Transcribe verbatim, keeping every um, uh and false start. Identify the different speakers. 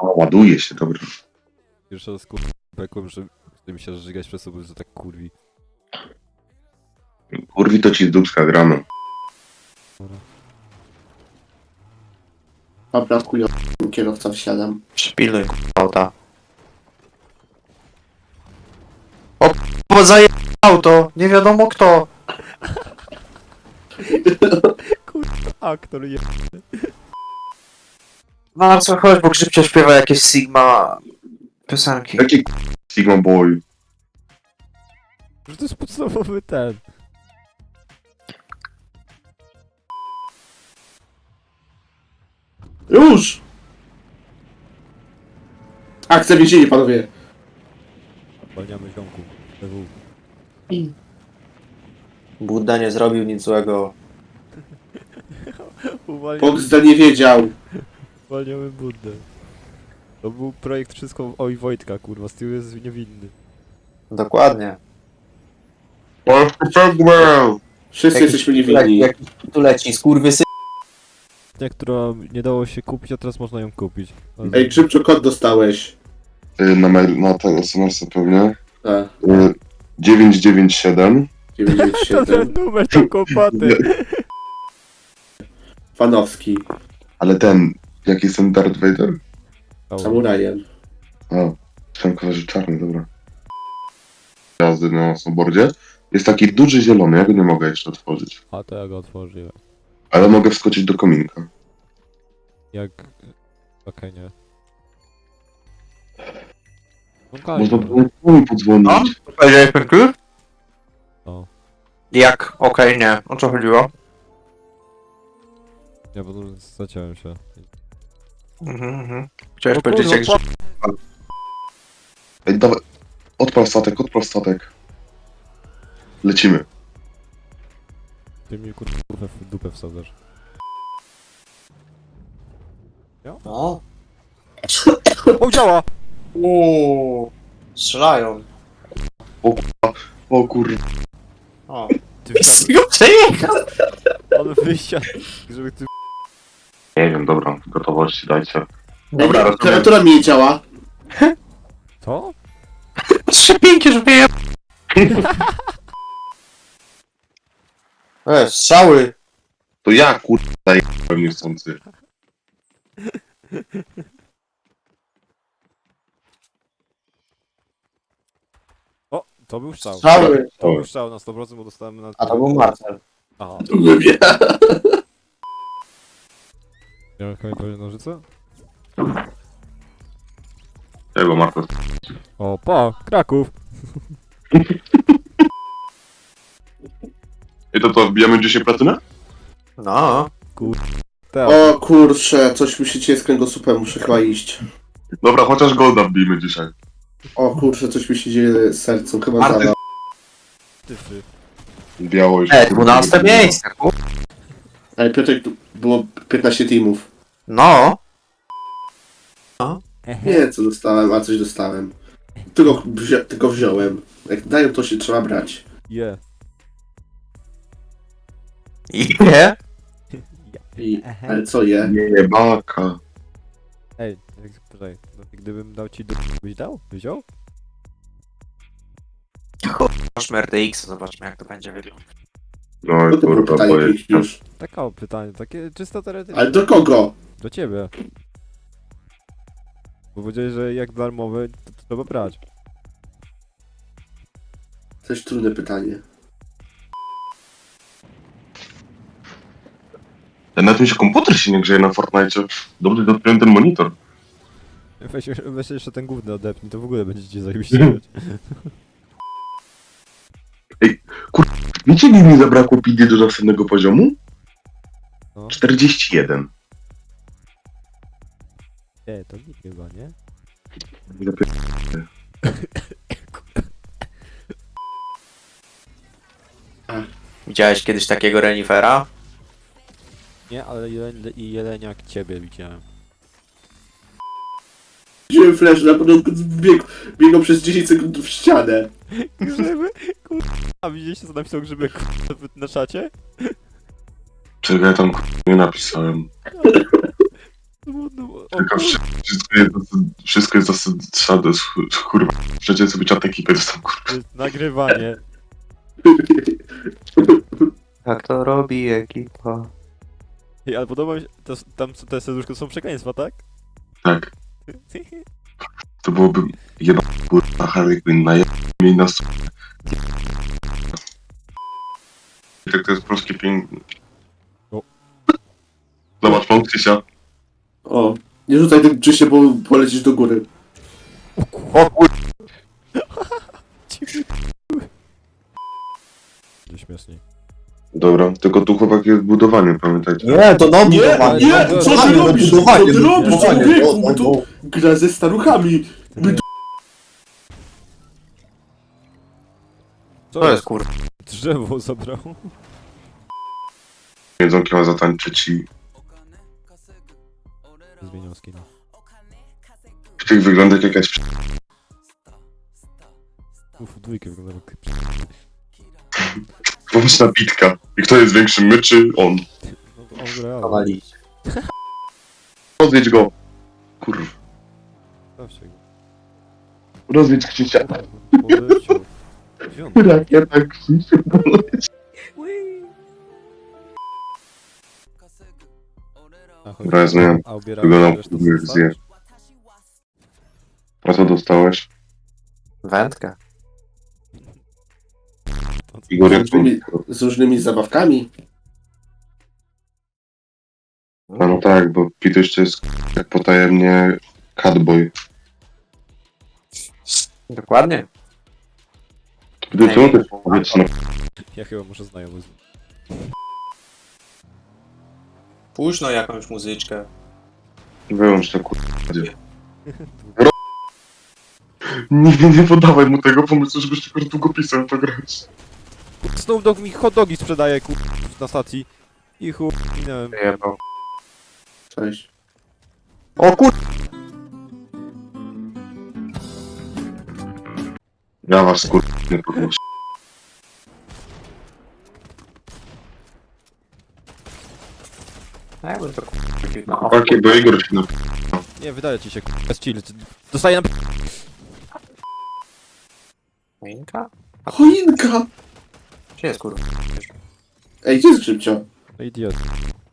Speaker 1: O, ładuje się, dobra.
Speaker 2: Pierwszy raz kurwa bekłem, że chce mi się żygać przez sobą, że tak kurwi.
Speaker 1: Kurwi to ci z dupska gramy.
Speaker 3: Dobra, chuj, kierowca wsiadam.
Speaker 4: Przypilnuj auta. O k***a, zaje auto! Nie wiadomo kto!
Speaker 2: Aktor je...
Speaker 4: No na co chodź, bo Grzybcio śpiewa jakieś Sigma piosenki.
Speaker 1: Jaki Sigma Boy?
Speaker 2: Że to jest podstawowy ten.
Speaker 3: Już! Akcja więzienie, panowie.
Speaker 2: Zwalniamy ziomku. P W.
Speaker 4: Budda nie zrobił nic złego.
Speaker 2: Uwalniamy,
Speaker 3: Bogzda nie wiedział.
Speaker 2: uwalniamy Buddę. To był projekt wszystko oj Wojtka, kurwa, z tyłu jest niewinny.
Speaker 4: Dokładnie.
Speaker 1: Polski Segwell!
Speaker 3: Wszyscy jesteśmy niewinni.
Speaker 4: Jak tu leci, skurwysy.
Speaker 2: Ta, która nie dało się kupić, a teraz można ją kupić.
Speaker 3: Ej, Grzybczo, kod dostałeś.
Speaker 1: Y, Na, mail, na ten es em es pewnie.
Speaker 3: A,
Speaker 1: Y, dziewięć dziewięć siedem.
Speaker 3: dziewięćdziesiąt
Speaker 2: To
Speaker 3: siedem.
Speaker 2: ten numer to kłopoty.
Speaker 3: Fanowski.
Speaker 1: Ale ten, jaki jest ten Darth Vader?
Speaker 3: Samurajem.
Speaker 1: A, myślałem, że czarny, dobra. Jazdy na snowboardzie. Jest taki duży zielony, ja go nie mogę jeszcze otworzyć.
Speaker 2: A to ja go otworzyłem.
Speaker 1: Ale mogę wskoczyć do kominka.
Speaker 2: Jak... Okej, nie. No
Speaker 1: Można
Speaker 2: Kajno.
Speaker 1: było mi podzwonić.
Speaker 4: Powiedziałeś ten klucz?
Speaker 2: O.
Speaker 4: Jak? Okej, nie. O co chodziło?
Speaker 2: Ja bo zaciąłem się.
Speaker 4: Mhm, mhm. Chciałeś
Speaker 2: O
Speaker 4: powiedzieć jak...
Speaker 2: kurwa,
Speaker 4: Grzyb-
Speaker 1: Ej, dawaj. Odpal statek, odpal statek. Lecimy.
Speaker 2: Ty mi kurwa w dupę wsadzasz.
Speaker 4: No.
Speaker 2: O, działa!
Speaker 4: Uuu. Strzelają.
Speaker 1: O kur...
Speaker 4: O.
Speaker 2: Ty
Speaker 4: go przejechał!
Speaker 2: on wysiadł, żeby ty...
Speaker 1: Nie wiem, dobra, gotowości dajcie.
Speaker 3: Dobra,
Speaker 1: Dobra, rozumiem.
Speaker 3: klawiatura mi nie działa.
Speaker 2: Co?
Speaker 4: Trzepięcie, żeby je... E, strzały!
Speaker 1: To ja kur... zajebałem niechcący.
Speaker 2: O, to był strzał.
Speaker 4: Strzały!
Speaker 2: To był strzał na sto procent, bo dostałem na...
Speaker 4: A to był Marcel.
Speaker 2: Aha.
Speaker 3: Lubię.
Speaker 2: Miałem komentarze nożyce?
Speaker 1: Tego Marko.
Speaker 2: O, pa! Kraków!
Speaker 1: I to to, wbijamy dzisiaj platynę?
Speaker 4: No.
Speaker 2: Te,
Speaker 3: O kurczę, coś musicie z kręgosłupem, muszę chyba iść.
Speaker 1: Dobra, chociaż golda wbijmy dzisiaj.
Speaker 3: O kurczę, coś mi się dzieje z sercem, chyba
Speaker 1: Marty.
Speaker 3: zawał.
Speaker 2: tyfy.
Speaker 1: Biało już.
Speaker 4: E, dwunaste miejsce. ku-
Speaker 3: Ale Piotrek, tu było piętnaście teamów.
Speaker 4: No.
Speaker 3: Nie, co dostałem, a coś dostałem. Tylko, wzi- tylko wziąłem. Jak dają, to się trzeba brać.
Speaker 2: Je.
Speaker 4: I nie?
Speaker 3: I, ale co je?
Speaker 1: Nie, baka.
Speaker 2: Ej, jak, poczekaj, no, gdybym dał ci do... byś dał? Wziął?
Speaker 4: Masz R T X, zobaczmy jak to będzie wyglądać.
Speaker 1: No
Speaker 3: No
Speaker 1: i
Speaker 3: to było
Speaker 1: kurwa,
Speaker 3: pytanie
Speaker 1: boję
Speaker 3: pięć
Speaker 1: się.
Speaker 3: już.
Speaker 2: Taka o pytanie, takie czysto teoretyczne.
Speaker 3: Ale do kogo?
Speaker 2: Do ciebie. Bo powiedziałeś, że jak darmowy, to, to trzeba brać.
Speaker 3: Coś trudne pytanie.
Speaker 1: Na tym się komputer się nie grzeje na Fortnite. Dobrze dopiąłem ten monitor.
Speaker 2: Weź, weź jeszcze ten główny odepnij, to w ogóle będziecie zajebiście grać.
Speaker 1: Wiecie, ile mi zabrakło P D do następnego poziomu?
Speaker 2: No.
Speaker 1: czterdzieści jeden.
Speaker 2: Nie, to nikt chyba, nie?
Speaker 4: Widziałeś kiedyś takiego renifera?
Speaker 2: Nie, ale jelen, i jeleniak ciebie widziałem.
Speaker 3: Wziąłem flash, na początku biegł, biegł przez dziesięć sekund w ścianę.
Speaker 2: Grzyby? Kurwa. A widzieliście co napisał grzyby kurwa, na czacie?
Speaker 1: Czego ja tam kurwa, nie napisałem?
Speaker 2: Smutno. O,
Speaker 1: Tylko
Speaker 2: kur-
Speaker 1: wszy- wszystko jest dosyć, wszystko jest dosyć, trzeba, do- kurwa, przecież sobie czat ekipy dostał, kurwa.
Speaker 2: to jest nagrywanie.
Speaker 4: Jak to robi ekipa?
Speaker 2: Ej, ale podoba mi się, to, tam są- te serduszko są przekleństwa, tak?
Speaker 1: Tak, to byłoby jedna kurwa Harley Quinn na jednej na s- Tak to jest polskie piękne.
Speaker 2: O.
Speaker 1: Zobacz, mam Krzysia.
Speaker 3: O, nie rzucaj tym czyście, bo polecisz do góry.
Speaker 4: O kur...
Speaker 2: Gdzie śmieszniej.
Speaker 1: Dobra, tylko tu chłopak jest budowanie, pamiętajcie.
Speaker 5: Nie, to na
Speaker 3: Nie,
Speaker 5: budowanie.
Speaker 3: nie,
Speaker 5: na
Speaker 3: co ty
Speaker 5: budowanie, na
Speaker 3: robisz?
Speaker 5: budowanie,
Speaker 3: Co ty
Speaker 5: na
Speaker 3: robisz,
Speaker 5: budowanie,
Speaker 3: człowieku?
Speaker 5: no,
Speaker 3: My tu-
Speaker 5: no.
Speaker 3: Gra ze staruchami. My tu...
Speaker 4: To jest kur...
Speaker 2: Drzewo zabrał.
Speaker 1: Jedzonki ma zatańczyć i
Speaker 2: Zmieniał skina.
Speaker 1: w tych wygląda jak jakaś przy-
Speaker 2: Uf, dwójkę wygląda jak...
Speaker 1: pomyślna bitka. I kto jest większy, my czy on?
Speaker 2: No to on gra,
Speaker 5: Nawalić.
Speaker 1: Rozwiedź go. Kurwa.
Speaker 2: Zawsze go.
Speaker 1: Rozwiedź Krzysia.
Speaker 2: Poleciał. Gdzie on?
Speaker 1: Rakieta Krzysia.
Speaker 2: A, chodź.
Speaker 1: Dobra, ja zmieniam.
Speaker 2: A ubierałeś
Speaker 1: Wyglądam,
Speaker 2: resztę
Speaker 1: jak
Speaker 2: zostawisz?
Speaker 1: zje. A co dostałeś?
Speaker 4: Wędkę.
Speaker 2: To co?
Speaker 1: Igor, jak
Speaker 3: różnymi, z różnymi zabawkami.
Speaker 1: A no tak, bo Pituś to jest jak potajemnie Catboy.
Speaker 4: Dokładnie.
Speaker 1: Pituś, co ty powiedz no.
Speaker 2: Ja chyba muszę znajomy z...
Speaker 5: Puść no jakąś muzyczkę.
Speaker 1: Wyłącz to kurwa. Nie, nie, nie podawaj mu tego pomysłu, żebyś tylko długopisem to grać.
Speaker 2: Snoop Dogg mi hot dogi sprzedaje, kur... na stacji. I chuj, minąłem.
Speaker 4: Jebał.
Speaker 3: Cześć.
Speaker 4: O kur...
Speaker 1: Ja was kurwa nie podnoszę.
Speaker 4: Ja bym to kur... No,
Speaker 1: Chłopaki, bo Igor się na...
Speaker 2: Nie, wydaje ci się, kur... jest chill. Dostaję na...
Speaker 4: Choinka?
Speaker 3: Choinka!
Speaker 4: Gdzie jest kur...
Speaker 3: Ej, gdzie jest Grzybcio?
Speaker 2: No idiot.